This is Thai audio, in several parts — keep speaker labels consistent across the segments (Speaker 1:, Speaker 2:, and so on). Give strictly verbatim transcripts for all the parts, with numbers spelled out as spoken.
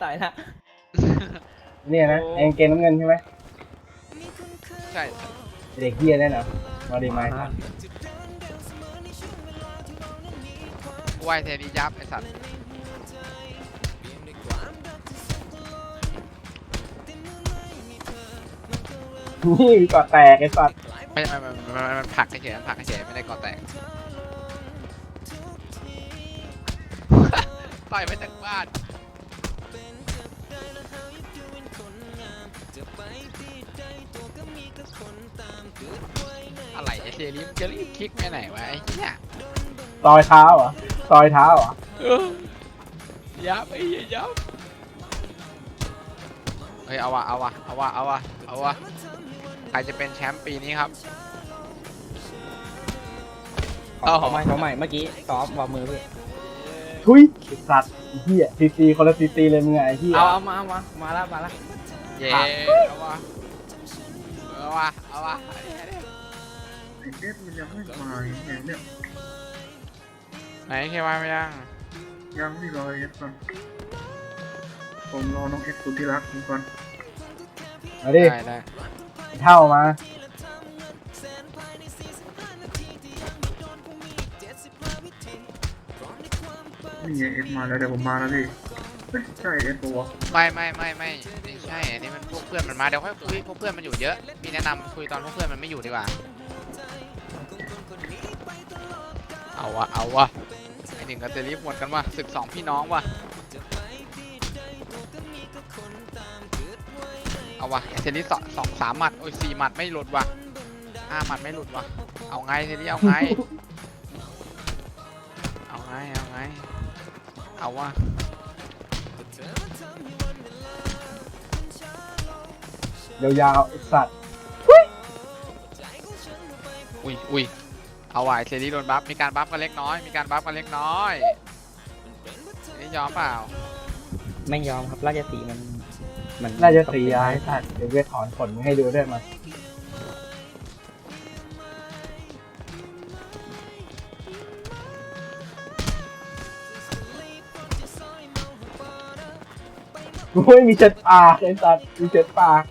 Speaker 1: ต่อยนะ
Speaker 2: เนี่ยนะไอ้เกงน้ำเงินใช่ไหม
Speaker 3: ใช่
Speaker 2: เด็กเฮียได้นะมาดีไหมครับ
Speaker 3: กูไหวเทดียับไอสัตว์
Speaker 2: นี่ก่อแตกไอ้สัตว์
Speaker 3: ไม่ไม่ไม่มันมันผักเฉยมันผักเฉยไม่ได้ก่อแตกต่อยไปจากบ้านอะไรไอเซรีมจะรีบคลิกไปไหนวะไอ้เนี่ย
Speaker 2: ซอยเท้าเหรอซอยเท้าเหรอ
Speaker 3: ยับไอ้ยับเฮ้ยเอาวะเอาวะเอาวะเอาวะเอาวะใครจะเป็นแชมป์ปีนี้ครับ
Speaker 1: เอาใหม่เอาใหม่เมื่อกี้ซ้อมวางมือพี่
Speaker 2: ทุยสัตว์เฮียซีซีคนละซีซีเลยมึงไงเฮีย
Speaker 1: เอาเอามามามาแล้วมาแล้ว
Speaker 3: เย้เอาวะเอาวะเอาวะ
Speaker 4: ไอเอสมันยังไม่มาเนี่ยเนี่ย
Speaker 3: ไหนแค่ว่าไม่ยัง
Speaker 4: ยังไม่รอเอสก่อนผมรอน้องเอสสุดที่รักผมก่อน
Speaker 2: มาดิ
Speaker 3: ได้ได้
Speaker 2: เท่ามา
Speaker 4: นี่ไงเอสมาแล้วเดี๋ยวผมมาแล้วดิใช่เอสปะวะ
Speaker 3: ไม่ไม่ไม่ไม่ไม่ใช่อันนี้มันพวกเพื่อนมันมาเดี๋ยวค่อยคุยพวกเพื่อนมันอยู่เยอะพี่แนะนำคุยตอนพวกเพื่อนมันไม่อยู่ดีกว่าเอาวะเอาวะไอหนึ่งกับเจลิฟหมดกันวะศึกสองพี่น้องวะเอาวะเจลิฟสองสองสามหมัดโอ้ยสี่หมัดไม่หลุดวะห้าหมัดไม่หลุดวะเอาไงเจลิฟเอาไงเอาไงเอาไงเอาวะ
Speaker 2: ยาวๆไอ้สัตว์
Speaker 3: อุ้ยอุ้ยเอาไว้เซรีโดนบัฟมีการบัฟกันเล็กน้อยมีการบัฟกันเล็กน้อยนี่ยอมเปล่า
Speaker 1: ไม่ยอมครับราชสีมันมัน
Speaker 2: ราชสีไอ้สัตว์เดี๋ยวเวทถอนขนให้ดูด้วยมาโอ้ยมีเช็ดปากไอ้สัตว์มีเช็ดปาก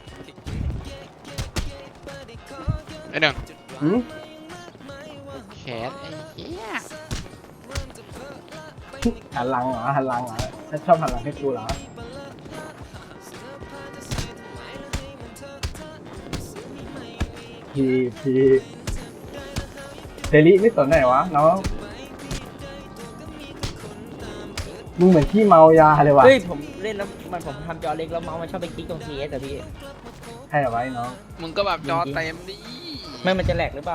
Speaker 3: ไอ้หนึ่ง
Speaker 2: หืม
Speaker 3: แขนไอ้เหี้ย
Speaker 2: หันหลังเหรอหันหลังเหรอถ้าชอบหันหลังให้กูเหรอพีพีเซรีไม่สนไหนวะน้องมึงเหมือนที่เมายาเลยว่ะ
Speaker 1: เฮ้ยผมเล่นแล้วมันผมทำจอเล็กแล้วเมาส์มันชอบไปคลิกตรงทีเอสแต่พี่
Speaker 2: ใช่เหรอไว้น้อง
Speaker 3: มึงก็แบบจอเต็มดิ
Speaker 1: ไม่มันจะแหลกหรือเปล่า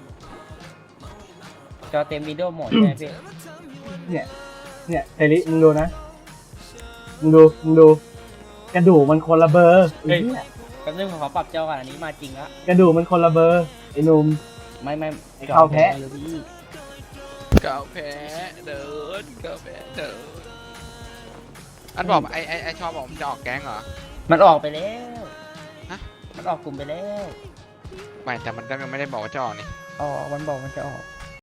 Speaker 1: จอเต็มวิดีโอโหมดใช่ไหมพี่
Speaker 2: เนี่ยเนี่ยเซรีมึงดูนะมึงดูมึงดูกระดูกมันคนละเบอร์ไอ้เนี่ย
Speaker 1: แป๊บนึงผมขอปรับจอก่อนอันนี้มาจริงละ
Speaker 2: กระดูกมันคนละเบอร์ไอ้หนุ่ม
Speaker 1: ไม่ไม่
Speaker 2: เข้าแพ้
Speaker 3: เก่าแพ้เดินเก่าแพ้เดินอันบอกไอไอไอชอบบอกมันจะออกแก๊งเหรอ
Speaker 1: มันออกไปแล้วฮะมันออกกลุ่มไปแล้ว
Speaker 3: ไม่แต่มันก็ยังไม่ได้บอกว่าจะออกนี่
Speaker 1: อ๋อมันบอกมันจะออก